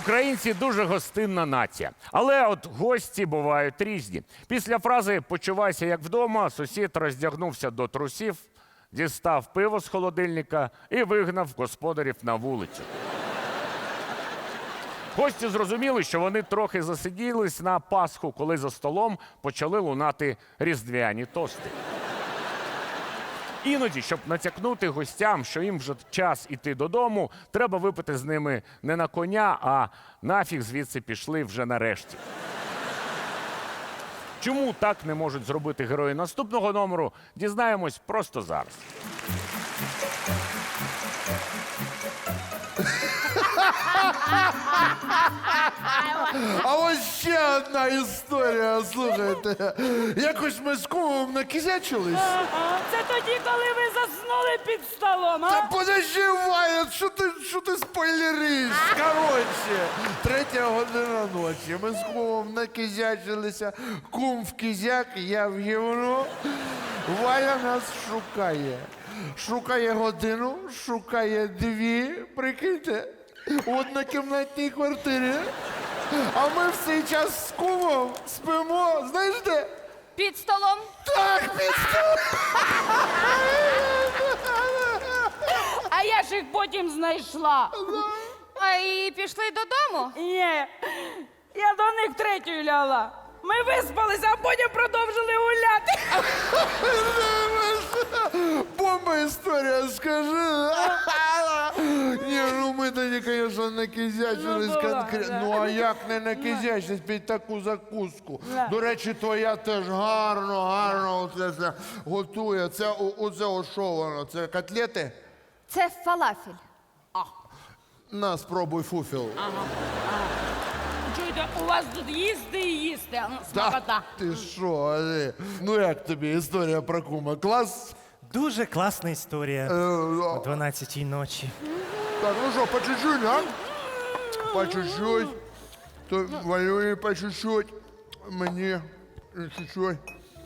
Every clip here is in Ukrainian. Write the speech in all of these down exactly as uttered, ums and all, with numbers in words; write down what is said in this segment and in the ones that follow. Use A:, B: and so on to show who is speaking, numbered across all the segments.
A: Українці дуже гостинна нація. Але от гості бувають різні. Після фрази «почувайся як вдома» сусід роздягнувся до трусів, дістав пиво з холодильника і вигнав господарів на вулицю. Гості зрозуміли, що вони трохи засиділись на Пасху, коли за столом почали лунати різдвяні тости. Іноді, щоб натякнути гостям, що їм вже час іти додому, треба випити з ними не на коня, а нафіг звідси пішли вже нарешті. Чому так не можуть зробити герої наступного номеру, дізнаємось просто зараз.
B: А ось ще одна історія, слухайте. Якось ми з кумом накизячились.
C: Ага, це тоді, коли ви заснули під столом, а?
B: Та подожди, Ваня, що ти, що ти спойлериш? Коротше, третя година ночі. Ми з кумом накизячилися. Кум в кизяк, я в гівно. Валя нас шукає. Шукає годину, шукає дві, прикиньте, у однокімнатній квартирі. А ми в цей час з кумом спимо, знаєш де?
D: Під столом.
B: Так, під столом.
C: А я ж їх потім знайшла.
D: А і пішли додому?
C: Ні, я до них третьою ляла. Ми виспалися, а потім продовжили гуляти.
B: Бомба історія, скажи. Ні, ну ми тоді, звісно, накизячились
C: Ну, була,
B: конкретно.
C: да.
B: Ну а як не накизячились під таку закуску?
C: Да.
B: До речі, твоя теж гарно, гарно оце це готує. Це о- оце о, що воно? Це котлети?
D: Це фалафель.
B: На, спробуй фуфіл.
C: Чуєте, у вас тут їсти і їсти, а, ну,
B: Та
C: смакота.
B: ти що, Алі? Ну як тобі історія про кума? Клас?
E: Дуже класна історія
B: Е,
E: о дванадцятій ночі.
B: Так, ну що, по чуть-чуть, а? По чуть-чуть. То Валюні по чуть-чуть. Мені чуть-чуть.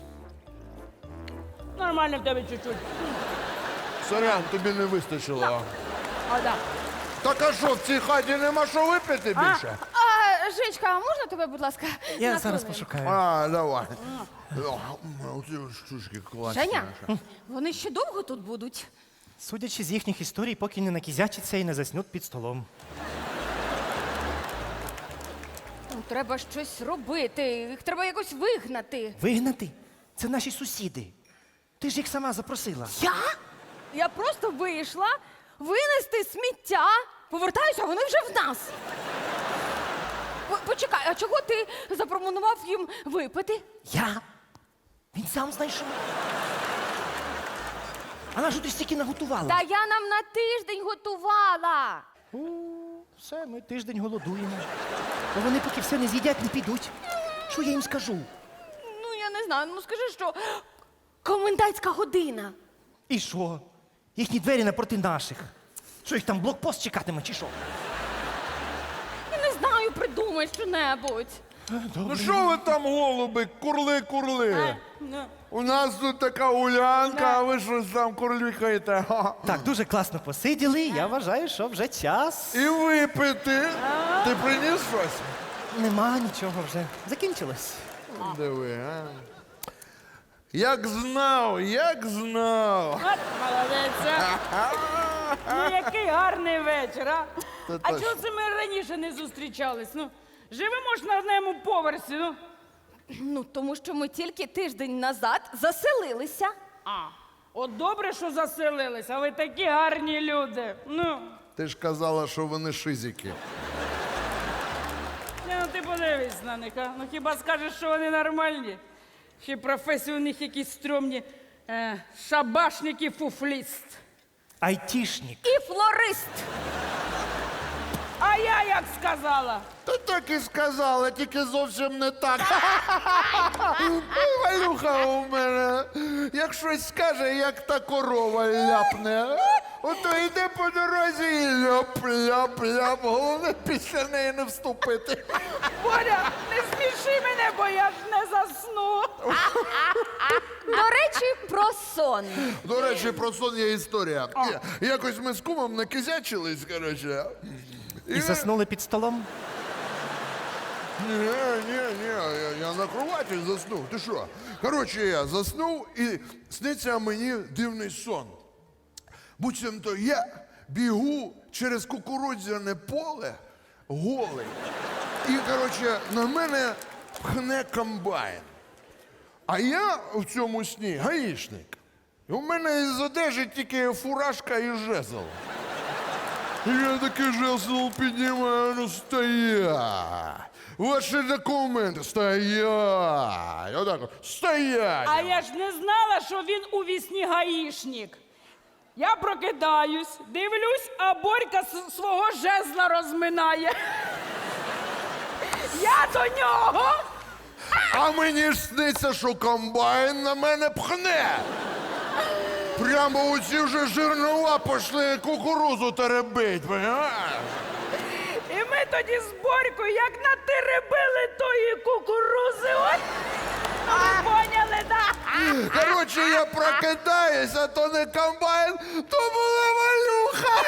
C: Нормально в тебе чуть-чуть.
B: Сорян, тобі не вистачило.
C: А, да.
B: Так а що, в цій хаті нема що випити більше?
D: А, Жечка, а можна тебе, будь ласка?
E: Я
D: на
E: зараз
D: хвилинку?
E: пошукаю.
B: А, давай. О, Оці штучки класні.
D: Женя, вони ще довго тут будуть?
E: Судячи з їхніх історій, поки не накізячаться і не заснуть під столом.
D: Ну, треба щось робити, їх треба якось вигнати.
E: Вигнати? Це наші сусіди. Ти ж їх сама запросила.
D: Я? Я просто вийшла винести сміття. Повертаюся, а вони вже в нас. По- Почекай, а чого ти запропонував їм випити?
E: Я? Він сам знайшов. А на що ти стільки наготувала?
D: Та я нам на тиждень готувала.
E: О, все, ми тиждень голодуємо. Бо вони поки все не з'їдять, не підуть. Що я їм скажу?
D: Ну, я не знаю, ну скажи, що комендантська година.
E: І що? Їхні двері напроти наших. Що їх там блокпост чекатиме, чи що?
D: Я не знаю, придумай що-небудь.
B: Ну що ви там, голуби, курли-курли?
C: Ну,
B: У нас тут така гулянка, а ви щось там курлікаєте. Ха.
E: Так, дуже класно посиділи. Я вважаю, що вже час.
B: І випити. Ти приніс щось?
E: Нема нічого вже. Закінчилось.
B: Диви, а. Як знав, як знав.
C: от молодець. а. Ну, який гарний вечір, а?
B: Та
C: А
B: точно.
C: чого це ми раніше не зустрічались? Ну, живемо ж на одному поверсі, ну.
D: Ну, тому що ми тільки тиждень назад заселилися.
C: А, от добре, що заселились, а ви такі гарні люди. Ну,
B: Ти ж казала, що вони шизики.
C: ні, ну ти подивись на них, а? Ну хіба скажеш, що вони нормальні? Чи професії у них якісь стрьомні е, шабашник і фуфліст.
E: Айтішник.
D: І флорист.
C: А я як сказала?
B: Та так і сказала, тільки зовсім не так. Ой, Валюха у мене, як щось скаже, як та корова ляпне. Ото йде по дорозі і ляп-ляп-ляп. Головне після неї не вступити.
C: Боря, не сміши мене, бо я ж не засну.
D: До речі, про сон.
B: До речі, про сон є історія. Я- Якось ми з кумом накизячились, коротше.
E: І заснули під столом?
B: Ні, ні, ні, я, я на кроваті заснув. Ти що? Коротше, я заснув і сниться мені дивний сон. Буцімто я бігу через кукурудзяне поле голий. І, коротше, на мене пхне комбайн. А я в цьому сні гаїшник. І у мене із одежі тільки фуражка і жезл. І я такий жезл піднімаю, ну стоять. Ваші документи, стоять. Отак, от, стоять.
C: А я ж не знала, що він у вісні гаїшник. Я прокидаюсь, дивлюсь, а Борька с- свого жезла розминає. Я до нього.
B: А мені ж сниться, що комбайн на мене пхне. Прямо у ці вже жирнова пішли кукурузу теребить, понимаєш?
C: І ми тоді з Борькою як натеребили тої кукурузи. От. Ну, ви поняли, да?
B: Коротше, я прокидаюсь, а то не комбайн, то була малюха.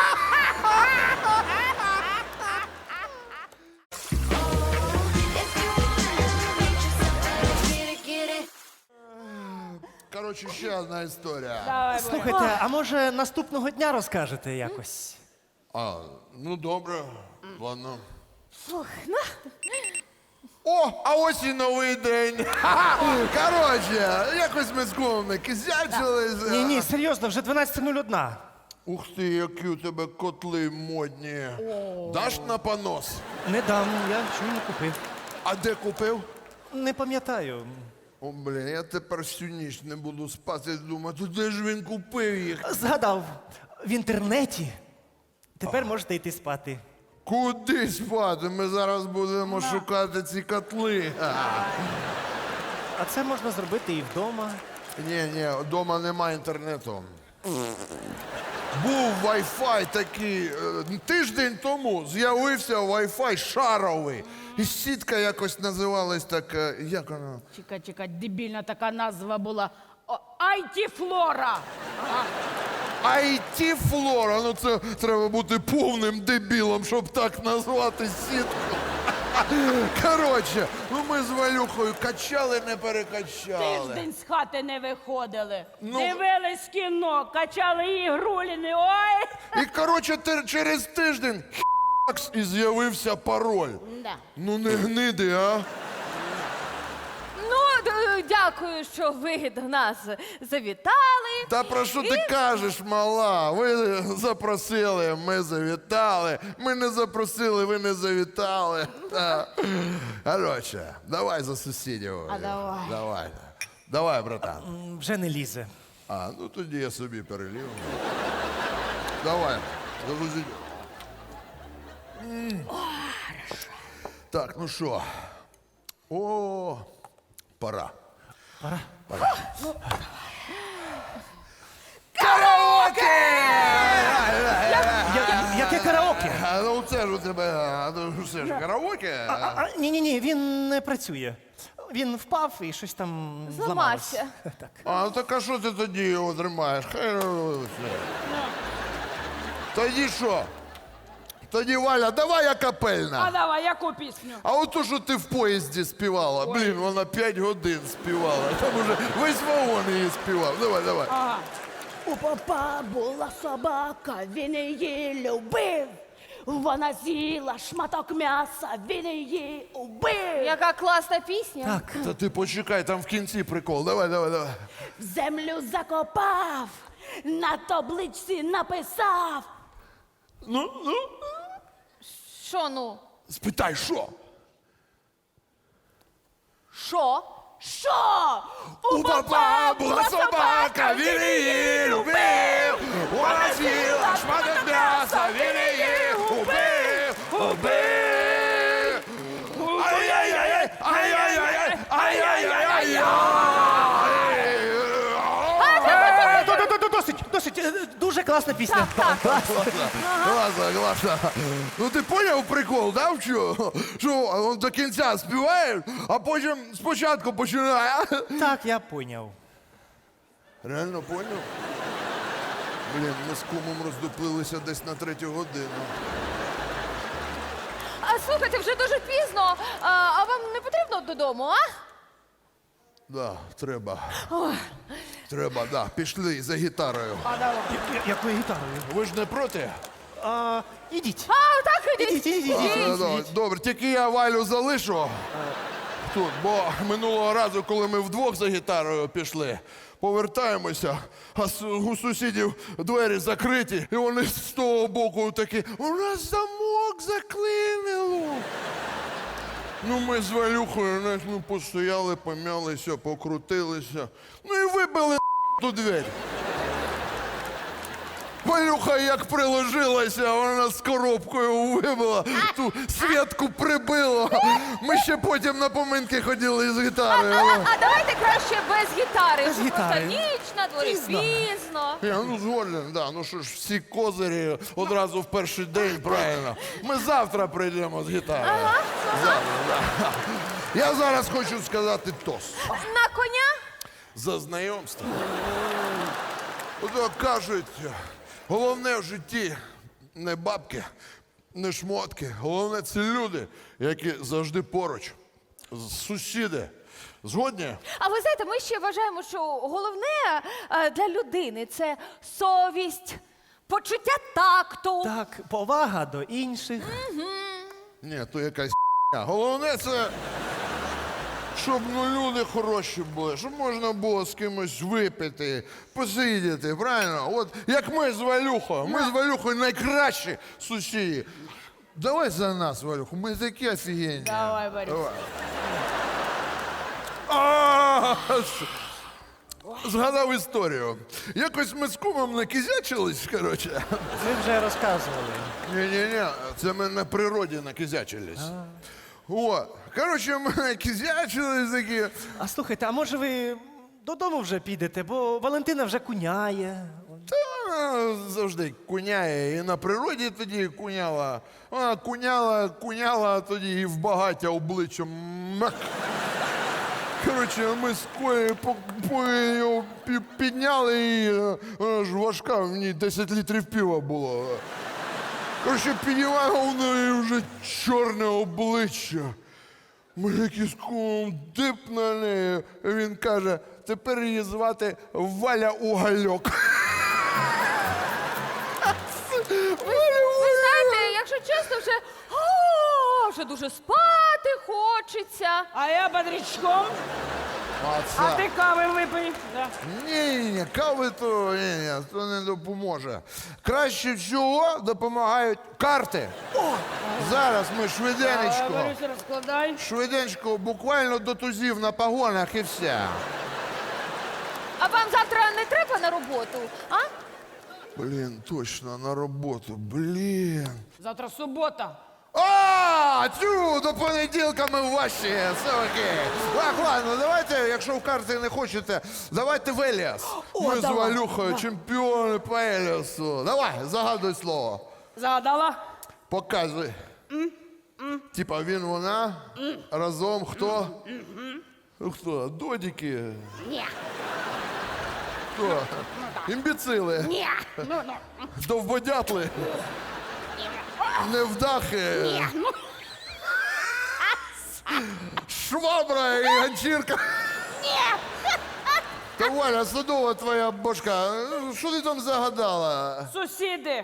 B: Коротше, ще одна історія.
C: Давай, Боря.
E: Слухайте, а може наступного дня розкажете якось?
B: А, ну добре, ладно.
D: Фух, ну,
B: О, а ось і новий день. Коротше, якось ми з кумом не кизячились.
E: Ні, ні, серйозно, вже дванадцята нуль одна.
B: Ух ти, які у тебе котли модні. Даш на понос?
E: Не дам, я щойно купив.
B: А де купив?
E: Не пам'ятаю.
B: О, блін, я тепер всю ніч не буду спати, думати, де ж він купив їх?
E: Згадав, в інтернеті. Тепер можете йти спати.
B: Куди спати? Ми зараз будемо шукати ці котли.
E: А це можна зробити і вдома.
B: Ні, ні, вдома немає інтернету. Був Wi-Fi такий. е, Тиждень тому з'явився Wi-Fi шаровий. І сітка якось називалась так. е, Як вона?
C: Чекай, чекай, дебільна така назва була. О, Айті-флора.
B: ай ті-флора. Ну це треба бути повним дебілом, щоб так назвати сітку. Коротше, ну ми з Валюхою качали, не перекачали.
C: Тиждень з хати не виходили.
B: Ну.
C: Дивились кіно, качали ігруліни. Ой!
B: І коротше, те- через тиждень хакс і з'явився пароль.
C: Да.
B: Ну не гниди, а?
D: ну д- дякую, що ви до нас завітали.
B: Та про що ти кажеш, мала? Ви запросили, ми завітали. Ми не запросили, ви не завітали. Та. Коротше, давай за сусідів.
C: А давай.
B: Давай. Давай, братан.
E: М, Вже не лізе.
B: А, ну тоді я собі перелів. Давай, за сусідів. М. Так, ну що? О, пора.
E: Пора.
B: Караоке!
E: Я, яке караоке?
B: А, ну це ж у тебе, а, ну це ж караоке.
E: А, а, ні, ні, ні, він не працює. Він впав і щось там зламалось.
D: Зламався.
E: Так.
B: А, ну так а що ти тоді його тримаєш? Хай ну, все. Тоді що? Тоді, Валя, давай
C: А
B: акапельна.
C: давай, яку пісню?
B: А от то, що ти в поїзді співала, блін, вона п'ять годин співала. Там уже весь вагон її співав. Давай, давай.
C: Ага.
F: У попа була собака, він її любив. Вона з'їла шматок м'яса, він її убив.
D: Яка класна пісня.
E: Так.
B: Та ти почекай, там в кінці прикол. Давай, давай, давай.
F: В землю закопав, на табличці написав.
B: Ну, ну,
D: Що ну?
B: спитай, що?
D: Що?
F: Що?
B: У папа була собака, він її любив. Вона з'їла шматок м'яса, він її убив, убив. Ай-яй-яй, ай-яй-яй, ай-яй-яй,
E: Е, до- до- до- Досить, досить. Е, Дуже класна пісня. Класна.
B: Класно, класно. Ну ти поняв прикол, да, в чому? Що він до кінця співає, а потім спочатку починає.
E: Так, я поняв.
B: Реально поняв? Блін, ми з кумом роздуплилися десь на третю годину.
D: А, слухайте, вже дуже пізно. А, а вам не потрібно додому, а?
B: Да, треба. Треба, да. Пішли за гітарою.
E: Я- Якою гітарою?
B: Ви ж не проти?
E: А, ідіть.
D: А, так, ідіть.
E: Ідіть, ідіть, ідіть.
B: Е, да, Добре, тільки я Валю залишу тут, бо минулого разу, коли ми вдвох за гітарою пішли, повертаємося, а с- у сусідів двері закриті, і вони з того боку такі, у нас замок заклинило. Ну, ми з Валюхою, знаєш, ми постояли, пом'ялися, покрутилися, ну і вибили ту двері. Валюха як приложилася, вона з коробкою вибила, ту святку прибила. Ми ще потім на поминки ходили з гітарою.
D: А, а давайте краще без гітари.
E: Без
D: Вже
E: гітари.
D: Просто ніч на дворі,
E: Пізно.
D: пізно.
B: Я ну згоден, да. Ну що ж, всі козирі одразу в перший день, правильно. Ми завтра прийдемо з гітарою.
D: Ага,
B: Завтра, да. Я зараз хочу сказати тост.
D: На коня?
B: За знайомство. Ото кажуть, головне в житті не бабки, не шмотки. Головне це люди, які завжди поруч. Сусіди. Згодні?
D: А ви знаєте, ми ще вважаємо, що головне е, для людини це совість, почуття такту.
E: Так, повага до інших.
B: Ні, то якась ***. Головне це, щоб ну, люди хороші були, щоб можна було з кимось випити, посидіти, правильно? От як ми з Валюхою. Ми з Валюхою найкращі сусіди. Давай за нас, Валюху, ми такі офігенні.
C: Давай, Борис.
B: Давай. А, Згадав історію. Якось ми з кумом накизячились, коротше.
E: Ви вже розказували.
B: Ні-ні-ні, це ми на природі накизячились. О, коротше, ми накизячились такі.
E: А слухайте, а може ви додому вже підете, бо Валентина вже куняє.
B: Та вона завжди куняє. І на природі тоді куняла. Вона куняла, куняла, а тоді і в багаття обличчям. Мак. Коротше, ми з Колею по, по його пі- підняли і вона ж важка, в ній десять літрів пива було. Коротше, піднімаємо в неї вже чорне обличчя. Ми якийсь кум дип на неї. Він каже, тепер її звати Валя Угальок.
D: Ви знаєте, якщо чесно, вже, о, вже дуже спати хочеться.
C: А я бодрячком,
B: А
C: а
B: це...
C: ти кави випий. Да.
B: Ні, ні, ні, кави то, ні, ні, то не допоможе. Краще всього допомагають карти. Зараз ми
C: А,
B: швиденечко.
C: Борис, розкладай.
B: Швиденько, буквально до тузів на погонах і все.
D: А вам завтра не треба на роботу, а?
B: Блін, точно, на роботу, блін.
C: Завтра субота.
B: А, тю, до понеділка ми в ваші, все окей. Так, ладно, давайте, якщо в карти не хочете, давайте в Еліас. Ми з
F: давай,
B: Валюхою чемпіони по Еліасу. Давай, загадуй слово.
C: Загадала?
B: Показуй. Типа він, вона, разом хто? Ну, хто? Додіки?
F: Ні,
B: Хто? Імбіцили?
F: ні, ну, ну,
B: Довбодятли? Невдахи?
F: ні, ну.
B: Швабра і ганчірка?
F: Ні.
B: Та Валя, садова твоя бошка, що ти там загадала?
C: Сусіди.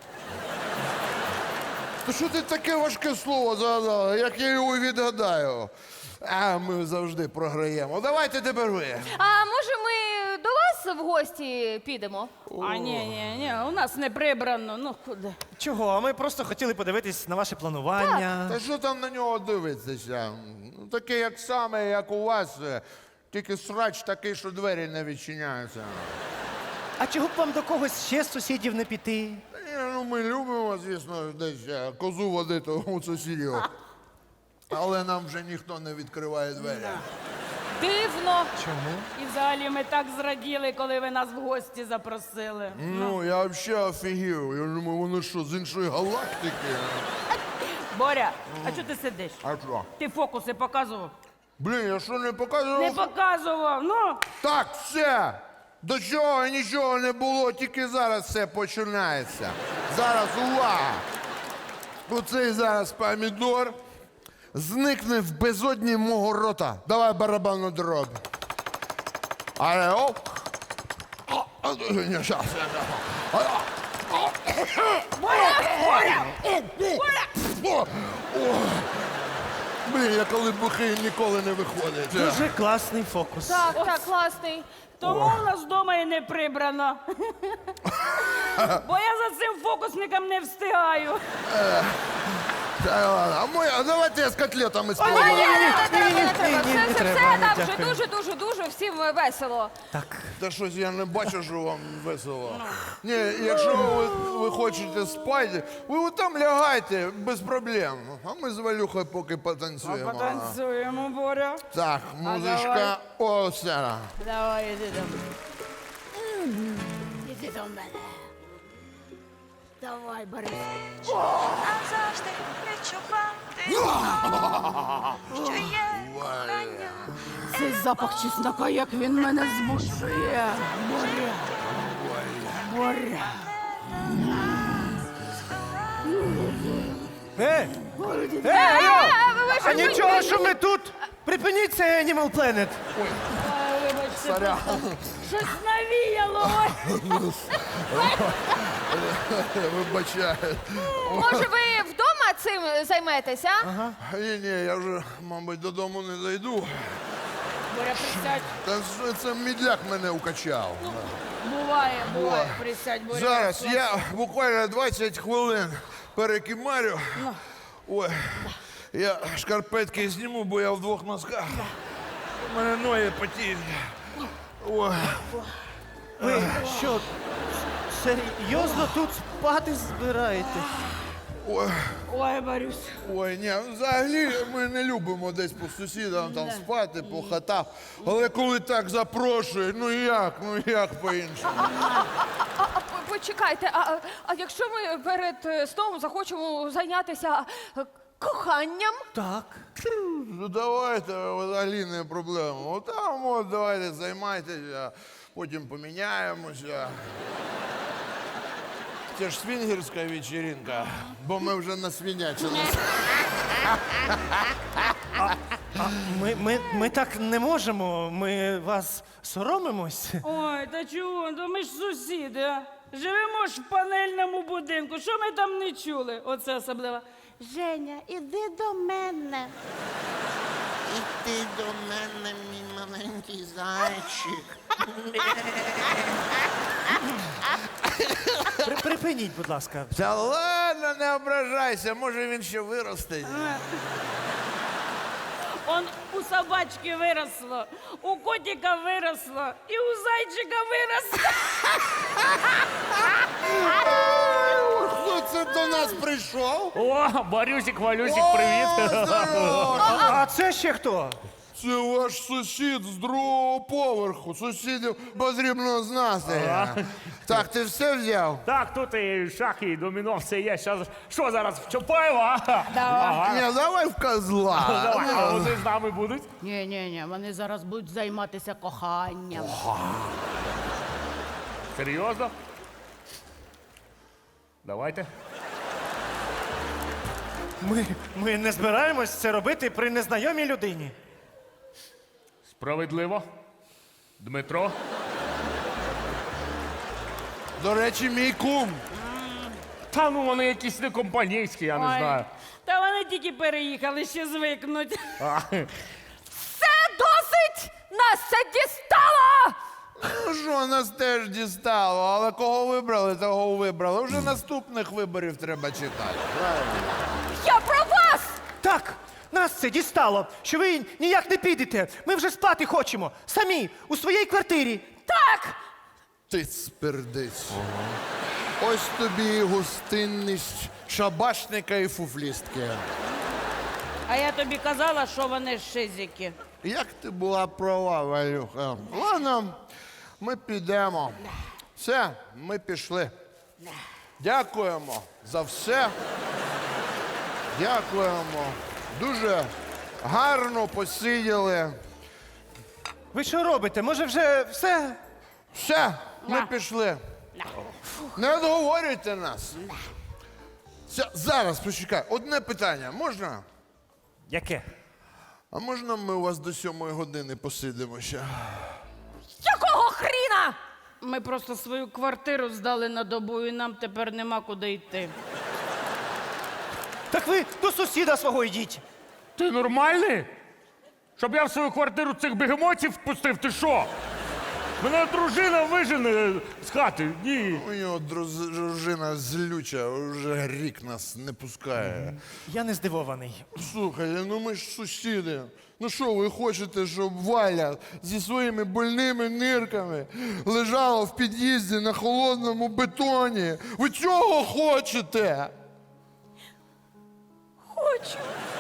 B: То що ти таке важке слово загадала, як я його відгадаю? А ми завжди програємо. Давайте тепер ви.
D: А може ми до вас в гості підемо?
C: А ні, ні, ні, у нас не прибрано. Ну куди?
E: Чого? Ми просто хотіли подивитись на ваше планування.
B: Та що там на нього дивитися? Ну, таке, як саме, як у вас, е, тільки срач такий, що двері не відчиняються.
E: А чого б вам до когось ще з сусідів не піти?
B: Та ні, ну ми любимо, звісно, десь е, козу водити у сусідів. Але нам вже ніхто не відкриває двері.
D: Дивно.
E: Чому?
C: І взагалі ми так зраділи, коли ви нас в гості запросили.
B: Ну, я взагалі офігів. Я думаю, вони що, з іншої галактики?
C: Боря, а чого ти сидиш?
B: А що?
C: Ти фокуси показував?
B: Блін, я що не показував?
C: Не показував, ну.
B: Так, все. До чого нічого не було, тільки зараз все починається. Зараз увага. Оцей зараз помідор зникне в безодні мого рота. Давай барабанну дробь. Але оп. О, а, ні, щас. О, о. Блін, я коли бухий ніколи не виходить.
E: Дуже класний фокус.
D: Так, так, класний.
C: Тому у нас вдома і не прибрано. Бо я за цим фокусником не встигаю.
B: Та ладно, а моя, а давайте я з котлетами
D: Ні,
B: спробую.
D: ні, не треба, не треба.
E: ні, не
D: Все, все,
E: треба,
D: все,
E: ні,
D: так вже
E: дякую.
D: дуже, дуже, дуже всім весело.
B: Та щось я не бачу, що вам весело. Ні, якщо ви, ви хочете спати, ви от там лягайте без проблем. А ми з Валюхою поки потанцюємо.
C: Потанцюємо, Боря.
B: Так, музичка. О, все.
C: Давай, іди там.
F: Іди до мене. Давай, Борис.
G: Назавжди відчувати, що є кохання.
F: Цей запах чеснока, як він мене змушує. Боря. Боря.
E: Е,
D: Е,
E: е, алло!
D: е, ви що,
E: А
D: ви-
E: нічого,
D: ви-
E: що ми тут? Припиніть це Animal Planet.
B: Сорян.
C: Щось навіяло. ой.
B: Вибачаю.
D: Може, ви вдома цим займетеся? а?
B: Ні, ні, я вже, мабуть, додому не дойду.
C: Боря, присядь.
B: Та що це мідляк мене укачав.
C: Буває, буває. Присядь, Боря.
B: Зараз я буквально двадцять хвилин перекимарю. Ой, я шкарпетки зніму, бо я в двох носках. У мене ноги потіють. Ой.
E: Ви що, серйозно тут спати збираєтесь?
B: Ой,
C: Ой, Борюсь.
B: ой, ні, взагалі ми не любимо десь по сусідам там спати, по хатах. Але коли так запрошують, ну як, ну як по-іншому?
D: А, п- почекайте, а, а- а якщо ми перед е, сном захочемо зайнятися е, коханням?
E: Так.
B: Ну давайте, взагалі не проблема. От там от давайте займайтеся, потім поміняємося. Це ж свінгерська вечеринка, бо ми вже насвінячилися.
E: Ми, ми, ми так не можемо. Ми вас соромимось.
C: Ой, та чого? То ми ж сусіди, а? Живемо ж в панельному будинку. Що ми там не чули? Оце особливо.
F: Женя, іди до мене.
H: Іди до мене, мій маленький зайчик.
E: При, припиніть, будь ласка.
B: Та ладно, не ображайся, може він ще виросте.
C: Он у собачки виросло, у котика виросло і у зайчика виросло.
B: Хто це до нас прийшов?
A: О, Борюсик, Валюсик, привіт.
B: О, здорово!
E: А, а це ще хто?
B: Це ваш сусід з другого поверху. Сусідів потрібно знати. Так, ти все взяв?
A: Так, тут і шахи, і доміно, все є. Щас, що зараз, в Чапаєва? Ага.
B: Ні, давай в козла.
A: Давай, а вони з нами будуть.
F: Ні, ні, ні, вони зараз будуть займатися коханням.
A: Серйозно? Давайте.
E: Ми, ми не збираємось це робити при незнайомій людині.
A: Справедливо. Дмитро.
B: До речі, мій кум.
A: Та ну вони якісь не компанійські, я не
C: Ой,
A: знаю.
C: Та вони тільки переїхали, ще звикнуть.
A: А,
D: Це досить! Нас це дістало!
B: Ну що, нас теж дістало, але кого вибрали, того вибрали. Вже наступних виборів треба чекати.
D: Я про вас!
E: Так, нас це дістало, що ви ніяк не підете. Ми вже спати хочемо. Самі, у своїй квартирі.
D: Так!
B: Ти спердись. Ось тобі і гостинність шабашника і фуфлістки.
C: А я тобі казала, що вони шизики.
B: Як ти була права, Валюха? Ладно, ми підемо. Все, ми пішли. Дякуємо за все. Дякуємо. Дуже гарно посиділи.
E: Ви що робите? Може вже все?
B: Все, ми пішли. Не відговорюйте нас. Ся- Зараз, почекай, одне питання, можна?
E: Яке?
B: А можна ми у вас до сьомої години посидимо ще?
D: Якого хріна?
C: Ми просто свою квартиру здали на добу, і нам тепер нема куди йти.
E: Так ви до сусіда свого йдіть.
A: Ти нормальний? Щоб я в свою квартиру цих бегемотів впустив, ти що? Мене дружина вижене з хати. Ні.
B: У нього друз- дружина злюча, вже рік нас не пускає.
E: Я не здивований.
B: Слухай, ну ми ж сусіди. Ну що, ви хочете, щоб Валя зі своїми больними нирками лежала в під'їзді на холодному бетоні? Ви цього хочете?
D: Хочу.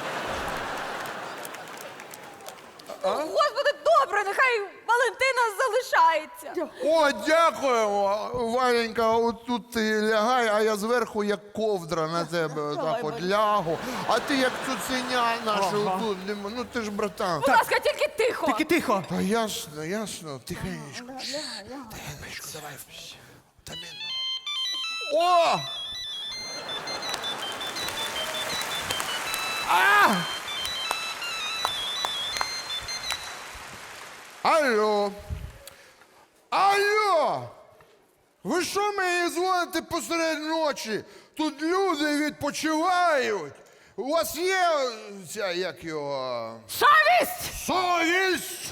D: Господи, добре, нехай Валентина залишається.
B: О, дякуємо! Валенька, отут ти лягай, а я зверху як ковдра на тебе так от лягу. А ти як цуценя наша отут. Ну ти ж братан.
D: Будь ласка, тільки тихо.
E: Тільки тихо.
B: Та ясно, ясно, тихенечко. Тихенечко, давай. Тамінно. О! А! Алло. Алло! Ви що мені дзвоните посеред ночі? Тут люди відпочивають. У вас є ця, як його...
D: Совість!
B: Совість!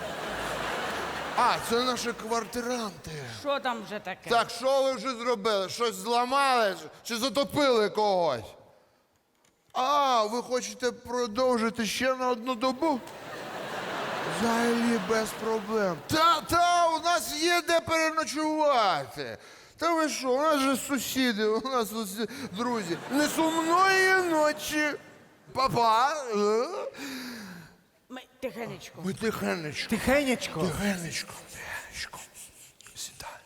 B: А, це наші квартиранти.
C: Що там вже таке?
B: Так, що ви вже зробили? Щось зламали чи затопили когось? А, ви хочете продовжити ще на одну добу? Взагалі без проблем. Та, та, у нас є де переночувати. Та ви що, у нас же сусіди, у нас усі друзі. Не сумної ночі. Папа. Е?
C: Ми тихенечко.
B: Ми тихенечко.
E: Тихенечко.
B: Тихенечко. Тихенечко. Сідайте.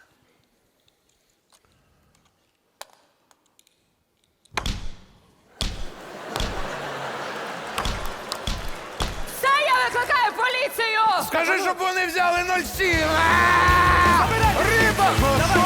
D: Все, я викликаю поліцію!
B: Скажи, щоб вони взяли нуль сім. Риба!